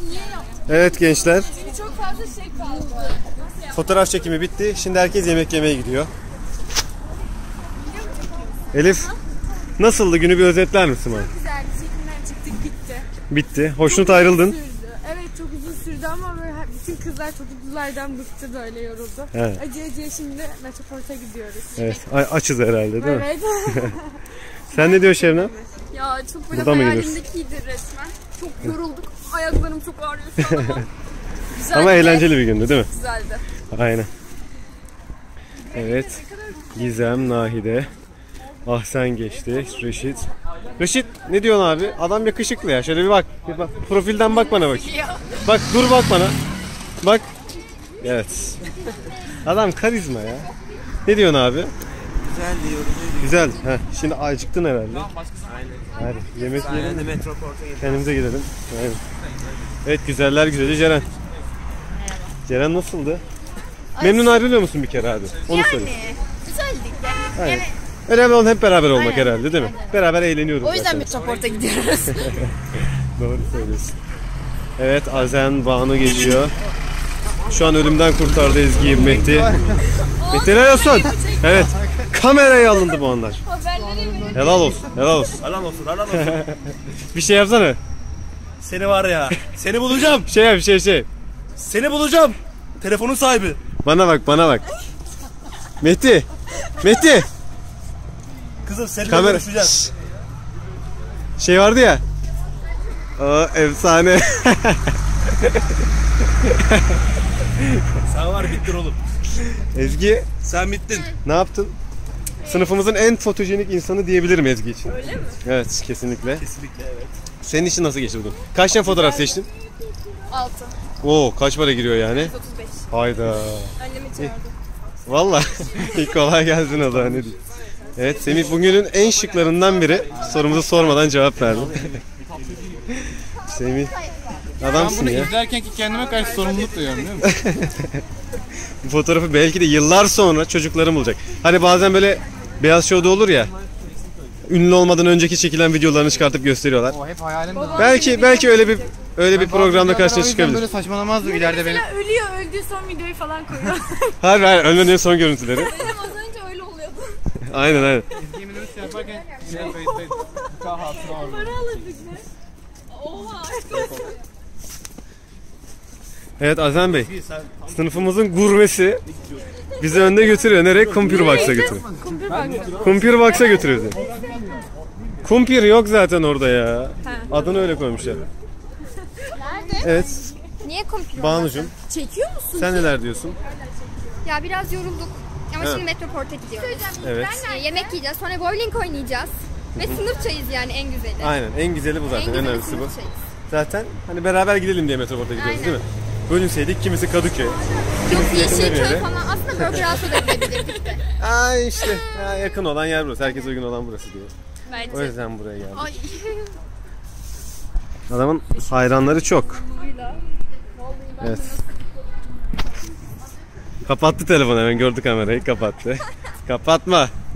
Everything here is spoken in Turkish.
Evet gençler. Çünkü çok fazla şey kaldı. Fotoğraf çekimi bitti. Şimdi herkes yemek yemeye gidiyor. Elif, nasıldı, günü bir özetler misin bana? Çok güzeldi. Çekimden çıktık, bitti. Bitti. Hoşnut ayrıldın. Evet, çok uzun sürdü ama böyle bütün kızlar çocuklardan bıktı, böyle yoruldu. Evet. Acıya şimdi Metroport'a gidiyoruz. Evet. Açız herhalde değil mi? Evet. Sen ne diyorsun Şevnem? Ya çok böyle Burada mı gidiyoruz? hayalimdekiydi resmen. Çok yorulduk. Ayaklarım çok ağrıyor şu an ama. Güzeldi. Ama eğlenceli bir gündü değil mi? Güzeldi. Aynen. Evet. Gizem, Nahide. Ahsen geçti. Reşit. Reşit ne diyorsun abi? Adam yakışıklı ya. Şöyle bir bak. Bir bak. Profilden bak bana bak. Bak dur bak bana. Bak. Evet. Adam karizma ya. Ne diyorsun abi? Güzel diyorum. Güzel. Heh. Şimdi acıktın herhalde. Aynen. Hadi yemek yiyelim. Aynen Metroport'a gidelim. Kendimize gidelim. Aynen. Evet, güzeller güzeli Ceren. Ceren nasıldı? Memnun ayrılıyor musun bir kere abi? Onu söyle. Güzeldik de. Aynen. Önemli olan hep beraber olmak herhalde değil mi? Beraber eğleniyoruz O yüzden zaten. Metroport'a gidiyoruz. Doğru söylüyorsun. Evet, Azen Banu geliyor. Şu an ölümden kurtardı Ezgi'yi Mehdi. Mehdi helal olsun. Evet. Kameraya alındı bu onlar. Helal olsun. Helal olsun. Helal olsun, helal olsun. Bir şey yapsana. Seni var ya, seni bulacağım. Şey yap, şey. Seni bulacağım. Telefonun sahibi. Bana bak, bana bak. Mehdi. Mehdi. Kızım seninle Kamera. görüşeceğiz. Şey vardı ya. Aa, efsane. Sen var, bittin oğlum. Ezgi, Sen bittin. ne yaptın? Sınıfımızın en fotojenik insanı diyebilirim Ezgi için. Öyle mi? Evet, kesinlikle. Kesinlikle evet. Senin için nasıl geçti bugün? Kaç tane fotoğraf seçtin? 6. Oo, kaç para giriyor yani? 35. Hayda. Annemi çağırdı. Valla. İlk kolay gelsin o zaman, ne diyeyim. Evet, Semih bugünün en şıklarından biri. Sorumuzu sormadan cevap verdi. Semih, adamsın bunu ya. izlerken ki kendime karşı sorumluluk duyuyorum biliyor musun? Bu fotoğrafı belki de yıllar sonra çocuklarım bulacak. Hani bazen böyle Beyaz Show'da olur ya. Ünlü olmadan önceki çekilen videolarını çıkartıp gösteriyorlar. O hep hayalimde. Belki öyle bir programda karşına çıkabilir. Böyle saçmalamazdım ileride benim. Mesela ölüyor, öldüğü son videoyu falan koyuyor. Hayır, ölmenin son görüntüleri. Benim az önce öyle oluyordu. Aynen. Yemin ederim yaparken yine kayıttaydım. Kahvaltına orada. Para alırdık ne? Oha. Evet Azem Bey, sınıfımızın gurmesi bizi önde götürüyor. Nereye? Kumpir Box'a götürüyor. Kumpir Box'a götürüyor bizi. Kumpir yok zaten orada ya. Adını öyle koymuşlar. Evet, Niye komplo? Banucuğum, Çekiyor musun? sen neler diyorsun? Ya biraz yorulduk. Ama Evet. şimdi Metroport'a gidiyoruz. Evet. Yemek yiyeceğiz, sonra bowling oynayacağız. Ve sınıf çayız yani en güzeli. Aynen, en güzeli bu zaten, en güzeli önemlisi bu. sınıf çayız. Zaten hani beraber gidelim diye Metroport'a gidiyoruz Aynen. değil mi? Bölünseydik kimisi Kadıköy. Yok yakında bir Yeşilköy yere. falan. Aslında Burger House'a da gidebilirdik de. Aa işte, ya yakın olan yer burası. Herkes uygun olan burası diyor. Bence. O yüzden buraya geldik. Ay. Adamın hayranları çok. Evet. Kapattı telefonu, hemen gördü kamerayı, kapattı. Kapatma.